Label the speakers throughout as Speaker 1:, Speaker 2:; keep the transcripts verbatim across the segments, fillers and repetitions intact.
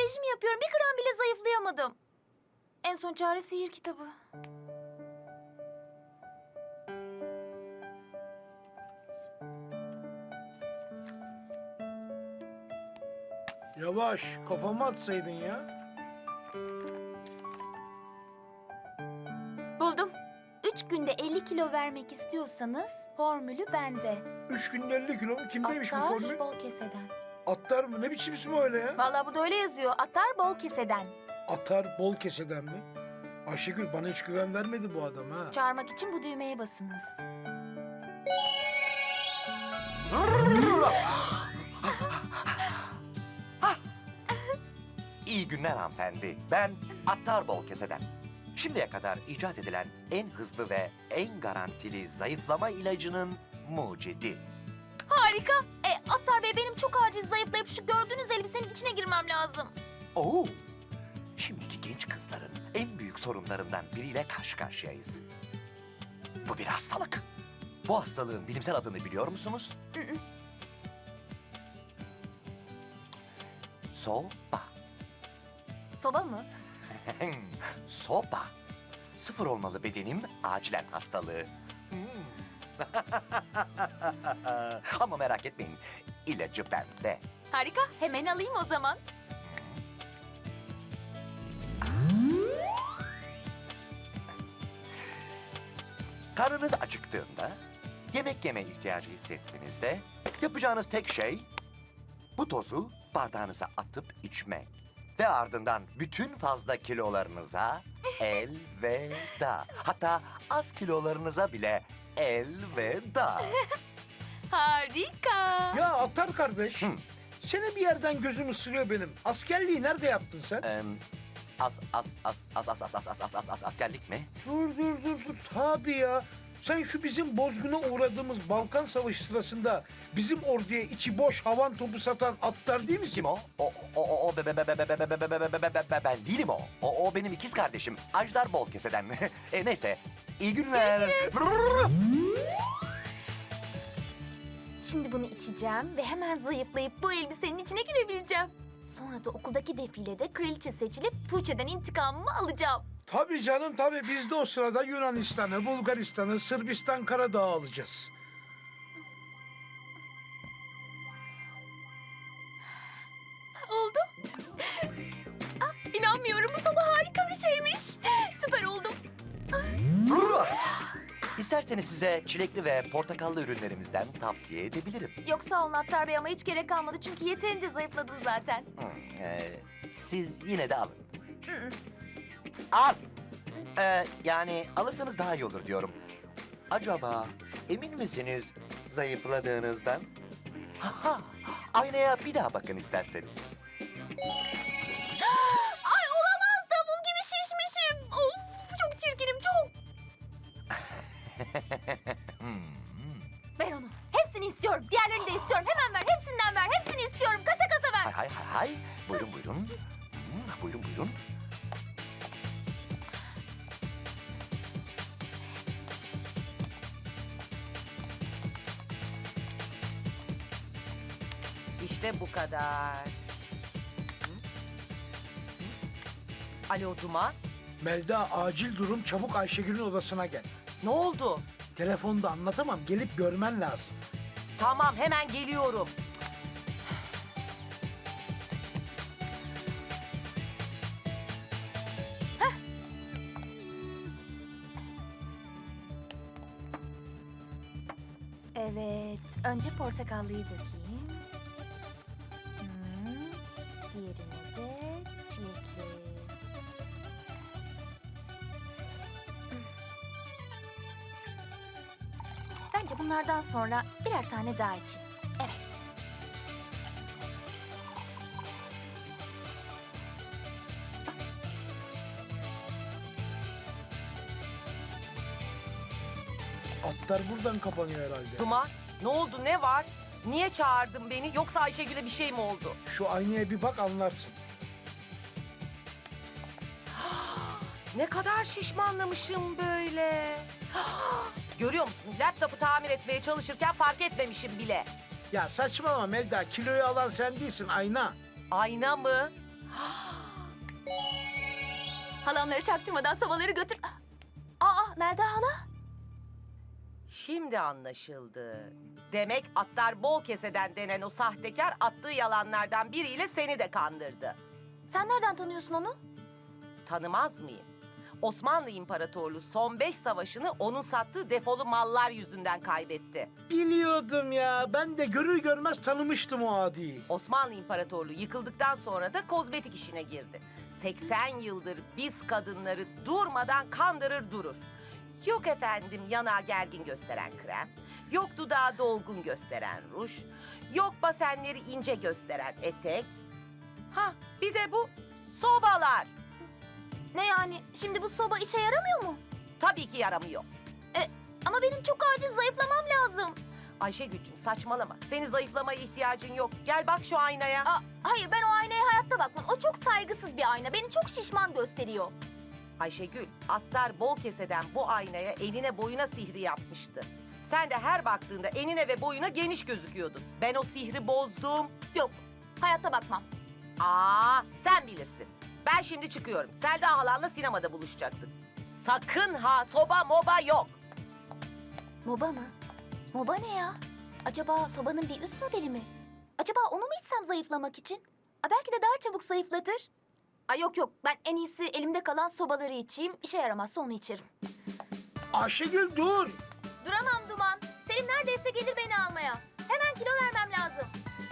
Speaker 1: rejim yapıyorum. Bir gram bile zayıflayamadım. En son çare sihir kitabı.
Speaker 2: Yavaş, kafama atsaydın ya.
Speaker 1: Buldum. Üç günde elli kilo vermek istiyorsanız formülü bende.
Speaker 2: Üç günde elli kilo mu? Kimdeymiş bu
Speaker 1: Attar
Speaker 2: formül?
Speaker 1: bol keseden.
Speaker 2: Attar mı? Ne biçim ismi öyle ya?
Speaker 1: Vallahi burada öyle yazıyor. Attar bol keseden.
Speaker 2: Atar bol keseden mi? Ayşegül bana hiç güven vermedi bu adam ha.
Speaker 1: Çağırmak için bu düğmeye basınız.
Speaker 3: İyi günler hanımefendi. Ben Attar Bol Keseden. Şimdiye kadar icat edilen en hızlı ve en garantili zayıflama ilacının mucidi.
Speaker 1: Harika. E, Attar Bey benim çok acil zayıflayıp şu gördüğünüz elbisenin içine girmem lazım.
Speaker 3: Oo! Şimdiki genç kızların en büyük sorunlarından biriyle karşı karşıyayız. Bu bir hastalık. Bu hastalığın bilimsel adını biliyor musunuz?
Speaker 1: Hı hı.
Speaker 3: Soba.
Speaker 1: Soba mı?
Speaker 3: Soba. Sıfır olmalı bedenim, acilen hastalığı. Hmm. Ama merak etmeyin, ilacı bende.
Speaker 1: Harika. Hemen alayım o zaman.
Speaker 3: Karnınız acıktığında, yemek yeme ihtiyacı hissettiğinizde yapacağınız tek şey bu tozu bardağınıza atıp içmek. Ve ardından bütün fazla kilolarınıza elveda. Hatta az kilolarınıza bile elveda.
Speaker 1: Harika.
Speaker 2: Ya Attar kardeş,
Speaker 3: Hı.
Speaker 2: seni bir yerden gözüm ısırıyor benim. Askerliği nerede yaptın sen?
Speaker 3: Ee, az, az, az, az, az, az, az, az, az, az, az, askerlik mi?
Speaker 2: Dur dur dur dur. Tabii ya. Sen şu bizim bozguna uğradığımız Balkan Savaşı sırasında bizim orduya içi boş havan topu satan Attar değil misin?
Speaker 3: Kim o? O, o, o, o, be, be, be, be, be, be, be, be, be, be, be, be, ben değilim o. O, o benim ikiz kardeşim. Ajdar Bol Keseden. e, neyse, iyi günler.
Speaker 1: Şimdi bunu içeceğim ve hemen zayıflayıp bu elbisenin içine girebileceğim. Sonra da okuldaki defilede kraliçe seçilip Tuğçe'den intikamımı alacağım.
Speaker 2: Tabii canım tabii. Biz de o sırada Yunanistan'ı, Bulgaristan'ı, Sırbistan Karadağ'ı alacağız.
Speaker 1: Oldu. Ah, inanmıyorum. Bu soba harika bir şeymiş. Süper oldum.
Speaker 3: İsterseniz size çilekli ve portakallı ürünlerimizden tavsiye edebilirim.
Speaker 1: Yok sağ olun Attar Bey ama hiç gerek kalmadı. Çünkü yeterince zayıfladım zaten.
Speaker 3: Hmm, e, siz yine de alın.
Speaker 1: Hı hı.
Speaker 3: Al. Ee, yani alırsanız daha iyi olur diyorum. Acaba emin misiniz zayıfladığınızdan? Ha, aynaya bir daha bakın isterseniz.
Speaker 1: Ay olamaz. Davul gibi şişmişim. Of çok çirkinim çok.
Speaker 3: Hmm.
Speaker 1: Ver onu. Hepsini istiyorum. Diğerlerini de istiyorum. Hemen ver. Hepsinden ver. Hepsini istiyorum. Kasa kasa ver.
Speaker 3: Hay hay hay hay. Buyurun buyurun. Hmm, buyurun buyurun.
Speaker 4: İşte bu kadar. Hı? Hı? Alo Duman,
Speaker 2: Melda acil durum, çabuk Ayşegül'ün odasına gel.
Speaker 4: ne oldu?
Speaker 2: Telefonda anlatamam, gelip görmen lazım.
Speaker 4: Tamam, hemen geliyorum.
Speaker 1: Evet. Önce portakallıyı dökeyim. Hmm, diğerine de çilekli. Bence bunlardan sonra birer tane daha içeyim. Evet.
Speaker 2: Atlar buradan kapanıyor herhalde.
Speaker 4: Duman, ne oldu, ne var? Niye çağırdın beni? Yoksa Ayşegül'e bir şey mi oldu?
Speaker 2: Şu aynaya bir bak anlarsın.
Speaker 4: Ne kadar şişmanlamışım böyle. Görüyor musun? Laptopu tamir etmeye çalışırken fark etmemişim bile.
Speaker 2: Ya saçmalama Melda, kiloyu alan sen değilsin, ayna.
Speaker 4: Ayna mı?
Speaker 1: Halamları çaktırmadan sobaları götür. Aa Melda hala.
Speaker 4: Şimdi anlaşıldı. Demek atlar bol keseden denen o sahtekar attığı yalanlardan biriyle seni de kandırdı.
Speaker 1: Sen nereden tanıyorsun onu?
Speaker 4: Tanımaz mıyım? Osmanlı İmparatorluğu son beş savaşını onun sattığı defolu mallar yüzünden kaybetti.
Speaker 2: Biliyordum ya. Ben de görür görmez tanımıştım o adiyi.
Speaker 4: Osmanlı İmparatorluğu yıkıldıktan sonra da kozmetik işine girdi. seksen yıldır biz kadınları durmadan kandırır durur. Yok efendim yanağı gergin gösteren krem, yok dudağı dolgun gösteren ruj, yok basenleri ince gösteren etek. Ha bir de bu sobalar.
Speaker 1: Ne yani? Şimdi bu soba işe yaramıyor mu?
Speaker 4: Tabii ki yaramıyor.
Speaker 1: E, ama benim çok acil zayıflamam lazım.
Speaker 4: Ayşegül'cüm saçmalama. Senin zayıflamaya ihtiyacın yok. Gel bak şu aynaya.
Speaker 1: Aa, hayır ben o aynaya hayatta bakmam. O çok saygısız bir ayna. Beni çok şişman gösteriyor.
Speaker 4: Ayşegül, atlar bol keseden bu aynaya eline boyuna sihri yapmıştı. Sen de her baktığında enine ve boyuna geniş gözüküyordun. Ben o sihri bozdum.
Speaker 1: Yok hayatta bakmam.
Speaker 4: Aa, sen bilirsin. Ben şimdi çıkıyorum. Selda halanla sinemada buluşacaktık. Sakın ha, soba moba yok.
Speaker 1: Moba mı? Moba ne ya? Acaba sobanın bir üst modeli mi? Acaba onu mu içsem zayıflamak için? Aa, belki de daha çabuk zayıflatır. Ay yok yok ben en iyisi elimde kalan sobaları içeyim. İşe yaramazsa onu içerim.
Speaker 2: Ayşegül dur.
Speaker 1: Duramam Duman. Selim neredeyse gelir beni almaya. Hemen kilo vermem lazım.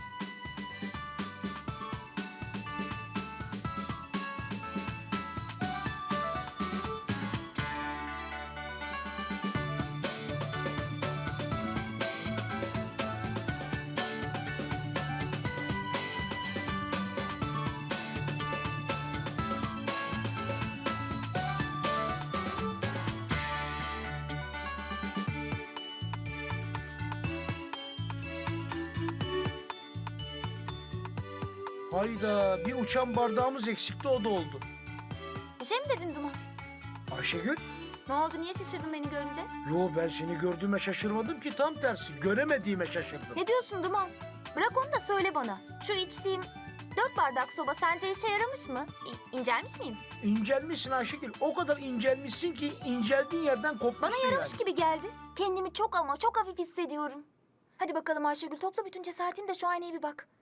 Speaker 2: Hayda, bir uçan bardağımız eksikti, o da oldu.
Speaker 1: Bir şey mi dedin Duman?
Speaker 2: Ayşegül,
Speaker 1: Ne oldu niye şaşırdın beni görünce?
Speaker 2: yo ben seni gördüğüme şaşırmadım ki, tam tersi. Göremediğime şaşırdım.
Speaker 1: Ne diyorsun Duman? Bırak onu da söyle bana. Şu içtiğim dört bardak soba sence işe yaramış mı? İ- incelmiş miyim?
Speaker 2: İncelmişsin Ayşegül, o kadar incelmişsin ki inceldiğin yerden kopmuşsun
Speaker 1: Bana yaramış
Speaker 2: yani.
Speaker 1: gibi geldi. Kendimi çok ama çok hafif hissediyorum. Hadi bakalım Ayşegül topla bütün cesaretini de şu aynaya bir bak.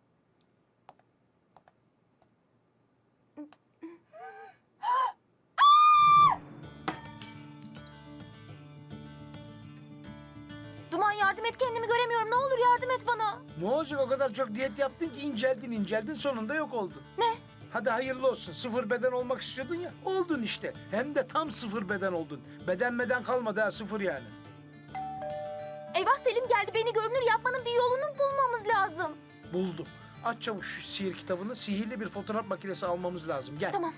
Speaker 1: Duman yardım et kendimi göremiyorum. Ne olur yardım et bana.
Speaker 2: Ne olacak, o kadar çok diyet yaptın ki inceldin inceldin, sonunda yok oldun.
Speaker 1: Ne?
Speaker 2: Hadi hayırlı olsun, sıfır beden olmak istiyordun ya, oldun işte. Hem de tam sıfır beden oldun. Beden beden kalmadı ha, sıfır yani.
Speaker 1: Eyvah Selim geldi. Beni görünür yapmanın bir yolunu bulmamız lazım.
Speaker 2: Buldum. Aç çabuk şu sihir kitabını, sihirli bir fotoğraf makinesi almamız lazım. Gel.
Speaker 1: Tamam.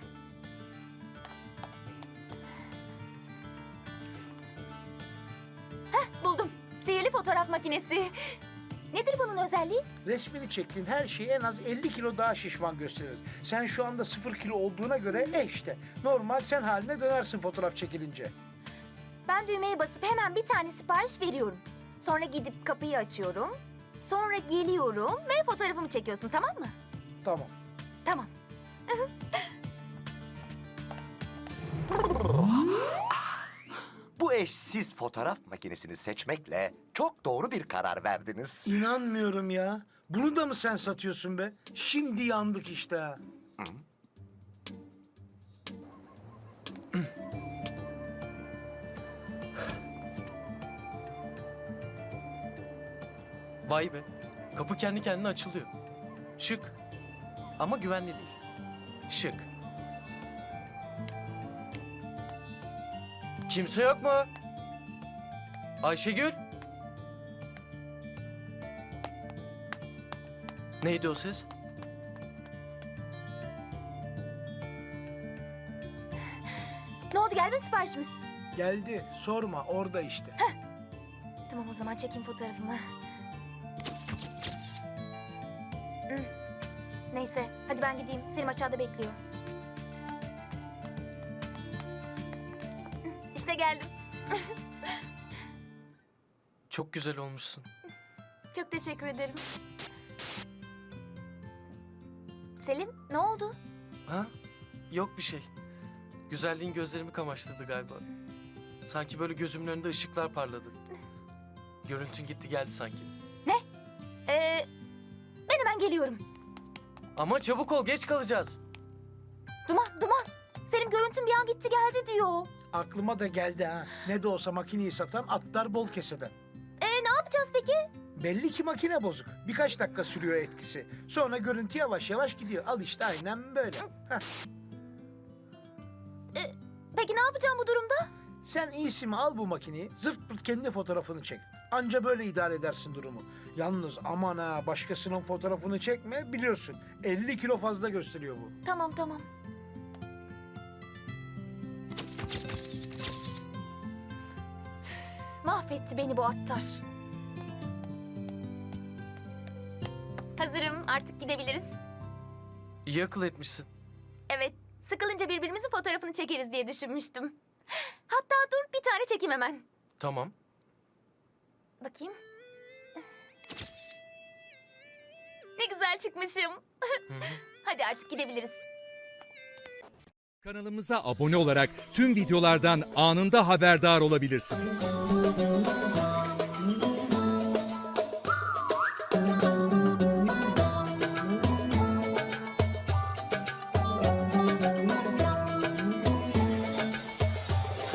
Speaker 1: Heh buldum. Sihirli fotoğraf makinesi. Nedir bunun özelliği?
Speaker 2: Resmini çektiğin her şeyi en az elli kilo daha şişman gösterir. Sen şu anda sıfır kilo olduğuna göre e işte normal sen haline dönersin fotoğraf çekilince.
Speaker 1: Ben düğmeye basıp hemen bir tane sipariş veriyorum. Sonra gidip kapıyı açıyorum. Sonra geliyorum ve fotoğrafımı çekiyorsun tamam mı?
Speaker 2: Tamam.
Speaker 1: Tamam.
Speaker 3: Bu eşsiz fotoğraf makinesini seçmekle çok doğru bir karar verdiniz.
Speaker 2: İnanmıyorum ya. Bunu da mı sen satıyorsun be? Şimdi yandık işte ha.
Speaker 5: Vay be. Kapı kendi kendine açılıyor. Şık. Ama güvenli değil. Şık. Kimse yok mu? Ayşegül? Neydi o ses?
Speaker 1: Ne oldu geldi mi siparişimiz?
Speaker 2: Geldi. Sorma, orada işte.
Speaker 1: Tamam o zaman çekeyim fotoğrafımı. Hmm. Neyse hadi ben gideyim. Selim aşağıda bekliyor. Hmm, İşte geldim.
Speaker 5: Çok güzel olmuşsun.
Speaker 1: Çok teşekkür ederim. Selim, ne oldu?
Speaker 5: Ha? Yok bir şey. Güzelliğin gözlerimi kamaştırdı galiba. Sanki böyle gözümün önünde ışıklar parladı. Görüntün gitti geldi sanki.
Speaker 1: Ee, ben hemen geliyorum.
Speaker 5: Ama çabuk ol, geç kalacağız.
Speaker 1: Duman, Duman. Selim görüntüm bir an gitti geldi diyor.
Speaker 2: Aklıma da geldi ha. Ne de olsa makineyi satan atlar bol keseden.
Speaker 1: Ee, ne yapacağız peki?
Speaker 2: Belli ki makine bozuk. Birkaç dakika sürüyor etkisi. Sonra görüntü yavaş yavaş gidiyor. Al işte aynen böyle. Heh.
Speaker 1: Peki ne yapacağım bu durumda?
Speaker 2: Sen iyisi mi al bu makineyi, zırt pırt kendi fotoğrafını çek. Anca böyle idare edersin durumu. Yalnız aman ha, başkasının fotoğrafını çekme, biliyorsun. elli kilo fazla gösteriyor bu.
Speaker 1: Tamam, tamam. Mahvetti beni bu attar. Hazırım, artık gidebiliriz.
Speaker 5: İyi akıl etmişsin.
Speaker 1: Evet, sıkılınca birbirimizin fotoğrafını çekeriz diye düşünmüştüm. Hatta dur, bir tane çekeyim hemen.
Speaker 5: Tamam.
Speaker 1: Bakayım. Ne güzel çıkmışım.
Speaker 5: Hı hı.
Speaker 1: Hadi artık gidebiliriz.
Speaker 6: Kanalımıza abone olarak tüm videolardan anında haberdar olabilirsiniz.